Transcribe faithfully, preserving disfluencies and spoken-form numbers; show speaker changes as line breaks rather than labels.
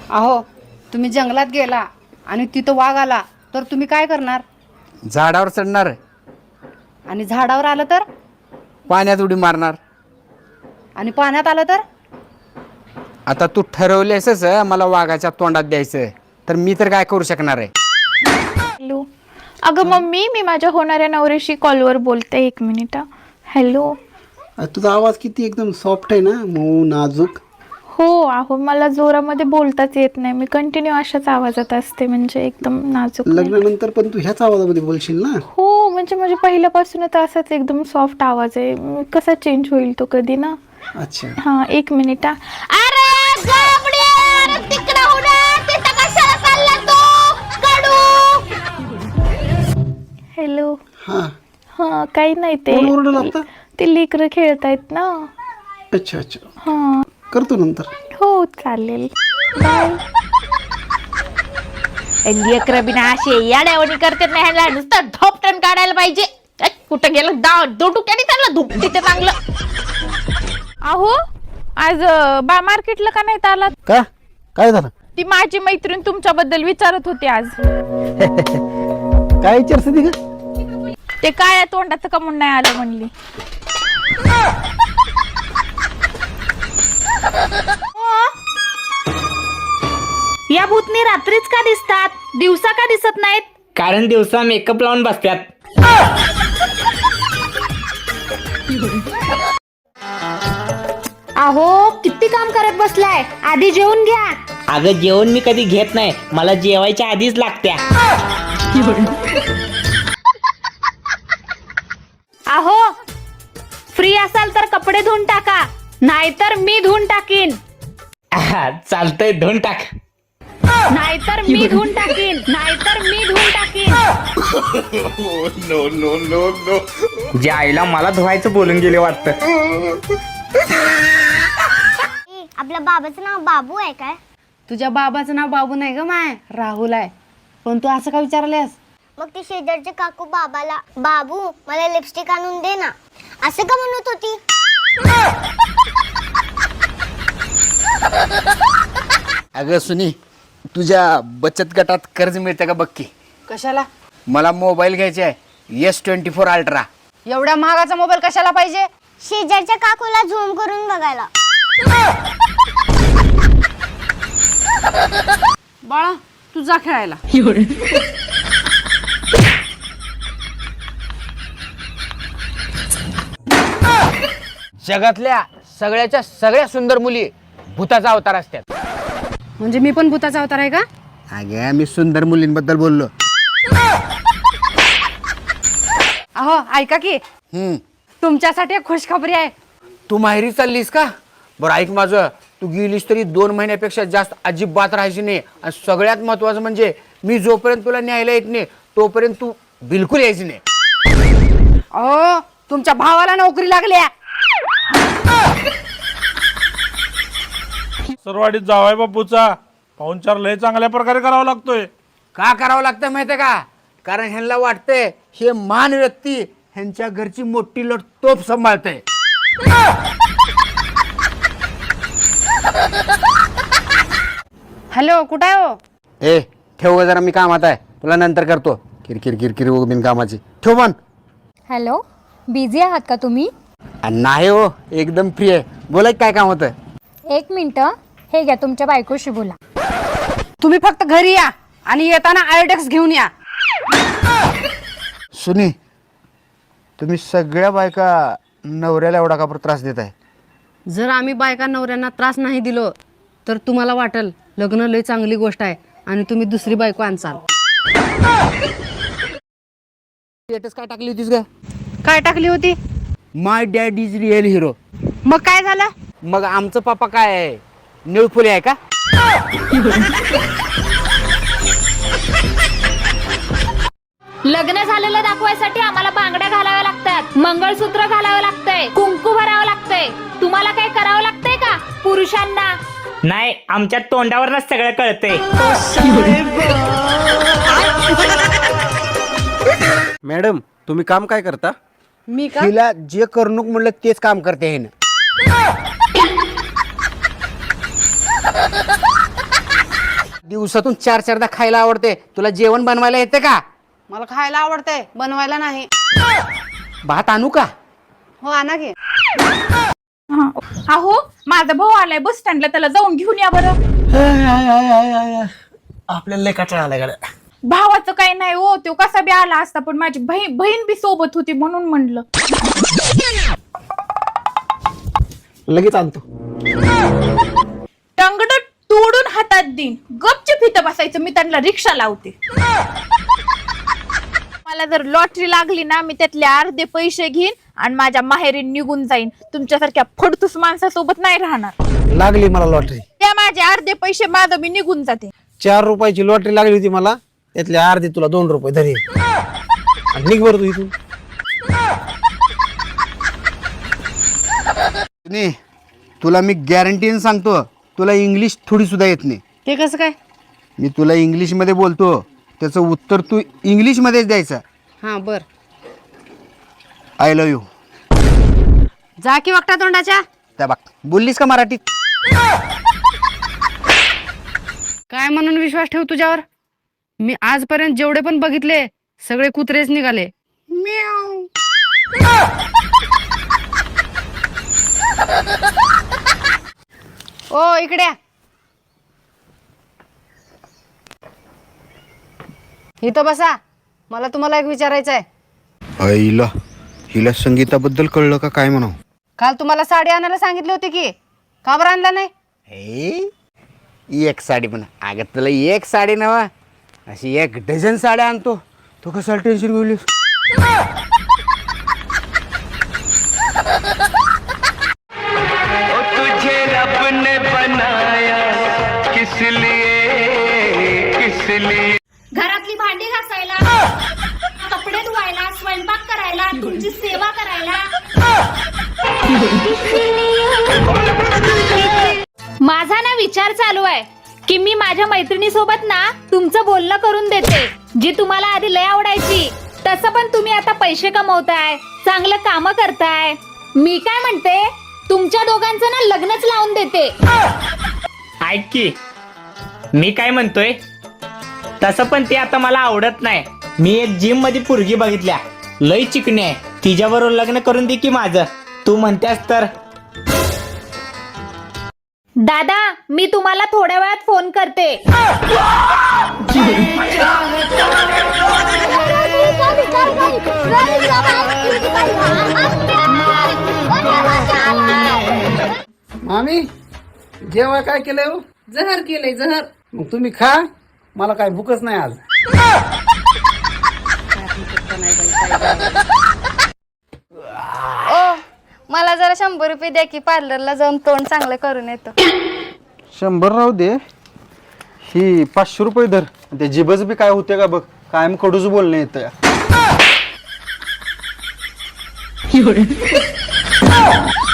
अहो तुम्ही जंगलात गेला आणि तिथं वाघ आला तर तुम्ही काय करणार?
झाडावर चढणार,
आणि झाडावर आलं तर?
पाण्यात उडी मारणार.
आणि पाण्यात आलं तर?
आता तू ठरवलेसच मला वाघाच्या तोंडात द्यायचं, तर मी तर काय करू शकणार आहे?
हॅलो अगं मम्मी, मी माझ्या होणाऱ्या नवऱ्याशी कॉलवर बोलते, एक मिनिट. हॅलो.
तुझा आवाज किती एकदम सॉफ्ट आहे ना, मऊ नाजूक.
हो अहो, मला जोरामध्ये बोलताच येत नाही, मी कंटिन्यू अशाच आवाजात असते, म्हणजे एकदम नाजूक नाही.
लग्नानंतर पण तू ह्याच आवाजामध्ये बोलशील ना?
हो, म्हणजे म्हणजे पहिल्यापासूनच असाच एकदम सॉफ्ट आवाज आहे, म, कसा चेंज होईल तो कधी ना.
अच्छा.
हा एक मिनिट. अरे गाबड्या, अरे तिकडे हो ना, तिथं कशाला चालला तू कडू? हॅलो.
हा
हा काही नाही, ते
कोण ओरडलं आता?
ते लेकरं खेळतायत ना.
अच्छा अच्छा,
हा
करतो नंतर.
हो चालेल, बाय. लेकरं बिना असे याड्यावणी करतात नाही, ह्याला नुसतं धोपटन काढायला पाहिजे. ए, कुठं गेलं दा दोटुक्याने त्यांना धुपटी ते चांगलं. अहो आज अं, बा मार्केटला का नाही आलात?
का काय झालं?
ती माझी मैत्रीण तुमच्याबद्दल विचारत होती आज.
काय विचारस ती का?
ते काय तोंडाचं कमून नाही आलं म्हणली.
या भूतनी रात्रीच का दिसतात, दिवसा का दिसत नाहीत?
कारण दिवसा मेकअप लावून बसत्यात.
अहो किती काम करत बसलाय, आधी जेवून घ्या.
अगं जेवण मी कधी घेत नाही, मला जेवायच्या आधीच लागत्या.
अहो फ्री असाल तर कपडे धुवून टाका, नाहीतर मी धुवून टाकीन.
आहा, चालतंय धुवून टाक.
नाहीतर मी धुवून टाकीन, नाहीतर मी धुवून टाकीन.
जे आईला मला धुवायचं बोलून गेले वाटतं.
आपल्या बाबाचं नाव बाबू आहे काय?
तुझ्या बाबाचं नाव बाबू नाही ग माय, राहुल आहे. पण तू असं का विचारलेस?
मग ती शेजारचे काकू बाबाला बाबू मला लिपस्टिक आणून दे ना असं का म्हणत होती?
अगं सुनी, तुझ्या बचत गटात कर्ज मिळतं का बघ की.
कशाला?
मला मोबाईल घ्यायचा आहे, एस ट्वेंटी फोर अल्ट्रा.
एवढ्या महागाचा मोबाईल कशाला पाहिजे?
शेजारच्या काकूला झूम करून बघायला.
बाळा तू जा खेळायला.
जगातल्या सगळ्याच्या सगळ्या सुंदर मुली भूताचा अवतार असतात.
म्हणजे मी पण भूताचा अवतार आहे का?
अगे मी सुंदर मुलींबद्दल बोललो.
अहो ऐका की,
हम्म
तुमच्यासाठी एक खुशखबरी आहे.
तू माहेरी चाललीस का? बरं ऐक माझं, तू गेलीस तरी दोन महिन्यापेक्षा जास्त अजिबात राहायची नाही. आणि सगळ्यात महत्वाचं म्हणजे मी जोपर्यंत तुला न्यायला येत नाही तोपर्यंत तू बिलकुल यायची नाही.
अहो तुमच्या भावाला नोकरी लागली.
सरवाडीत जावाय बापूचा पाहुणचार लय चांगल्या प्रकारे करावा लागतोय.
का करावं लागतं माहितीये का? कारण ह्यांना वाटतंय हे महान व्यक्ती ह्यांच्या घरची मोठी लोट तोप सांभाळतंय.
हॅलो कुठं आहे हो?
ए ठेव जरा, मी कामात आहे, तुला नंतर करतो. किरकिर किरकिर बिन कामाची ठेव पण.
हॅलो, बिझी आहात का तुम्ही?
नाही हो, एकदम फ्री आहे. बोला काय काम होतं?
एक मिनिट, हे घ्या तुमच्या बायकोशी बोला.
तुम्ही फक्त घरी या आणि येताना आयोडेक्स घेऊन या.
सुनी, तुम्ही सगळ्या बायका नवऱ्याला एवढा का त्रास देत आहे?
जर आम्ही बायका नवऱ्यांना त्रास नाही दिलो तर तुम्हाला वाटेल लग्न लय चांगली गोष्ट आहे आणि तुम्ही दुसरी बायको आणसाल.
स्टेटस काय टाकली होतीस का?
काय टाकली होती?
My dad is real hero.
मग काय झालं?
मग आमचं पापा काय आहे, निळफुले आहे का?
लग्न झालेलं दाखवायसाठी आम्हाला बांगड्या घालाव्या लागतात, मंगळसूत्र घालावं लागतंय, कुंकू भरावं लागतंय. तुम्हाला काय करावं लागतंय का पुरुषांना?
नाही, आमच्या तोंडावरच सगळं कळतंय.
मॅडम तुम्ही काम काय करता?
मी का?
तिला जे करणूक म्हणलं तेच काम करते हे ना. दिवसातून चार चारदा खायला आवडते, तुला जेवण बनवायला येते का?
मला खायला आवडतंय, बनवायला नाही.
भात आणू का?
हो आणा की.
हा. अहो माझा भाऊ आलाय बस स्टँडला, त्याला जाऊन घेऊन या बरं.
आपल्याला लय कटाळा आला गाड्या.
भावाचं काही नाही हो, तो कसा बी आला असता, पण माझी बहीण बहीण बी सोबत होती म्हणून म्हणलं.
लगेच आणतो.
टंगड तोडून हातात देईन, गपचूप इथं बसायचं, मी त्यांना रिक्षा लावते. मला जर लॉटरी लागली ना, मी त्यातले अर्धे पैसे घेईन आणि माझ्या माहेरी निघून जाईन. तुमच्यासारख्या फडतूस माणसासोबत नाही राहणार.
लागली मला लॉटरी.
त्या माझे अर्धे पैसे माझं मी निघून जाते.
चार रुपयाची लॉटरी लागली होती मला, त्यातले अर्धे तुला दोन रुपये धरी. आणि निघ बरं तू इथून.
नाही, तुला मी गॅरंटीने सांगतो, तुला इंग्लिश थोडी सुद्धा येत नाही.
ते कसं काय?
मी तुला इंग्लिशमध्ये बोलतो, त्याचं उत्तर तू इंग्लिशमध्येच द्यायचं.
हा बर.
I love you.
जा की वागता तोंडाच्या.
त्या बघ, बोललीस का मराठीत?
काय म्हणून विश्वास ठेव तुझ्यावर? मी आजपर्यंत जेवढे पण बघितले सगळे कुत्रेच निघाले. ओ इकडे या. इथं बसा, मला तुम्हाला एक विचारायचं आहे.
आईला, हिला संगीताबद्दल कळलं का काय म्हणावं?
काल तुम्हाला साडी आणायला सांगितली होती की, का बरं आणला नाही?
हे एक साडी पण अगं, तुला एक साडी नवा, अशी एक डझन साड्या आणतो. तू कशाला टेन्शन घेऊलीस?
तुझे रब ने बनाया किस लिए किस लिए.
घरातली भांडी घासायला, कपडे धुवायला, स्वयंपाक करायला, तुमची सेवा करायला. माझा ना विचार चालू आहे की मी माझ्या मैत्रिणी सोबत ना तुमचं बोलणं करून देते, जी तुम्हाला आधी लय आवडायची. तसं पण तुम्ही आता पैसे कमवताय, चांगलं काम करताय. मी काय म्हणते, तुमच्या दोघांचं ना लग्नच लावून देते.
ऐक की, मी काय म्हणतोय, तसं पण ते आता मला आवडत नाही. मी एक जिम मध्ये पोरगी बघितल्या, लय चिकणी आहे, तिच्याबरोबर लग्न करून दे की माझं. तू म्हणतेस तर.
दादा, मी तुम्हाला थोड्या वेळात फोन करते.
मामी जेव्हा काय केलंय हो?
जहर केलंय जहर.
मग तुम्ही खा, मला काय भूकच नाही आज.
ओ मला जरा शंभर रुपये द्या की, पार्लरला जाऊन तोंड चांगलं करून येतो.
शंभर राहू दे, ही पाचशे रुपये धर. ते जिबच बी काय होते का बघ, कायम कडूच बोलणे येतं.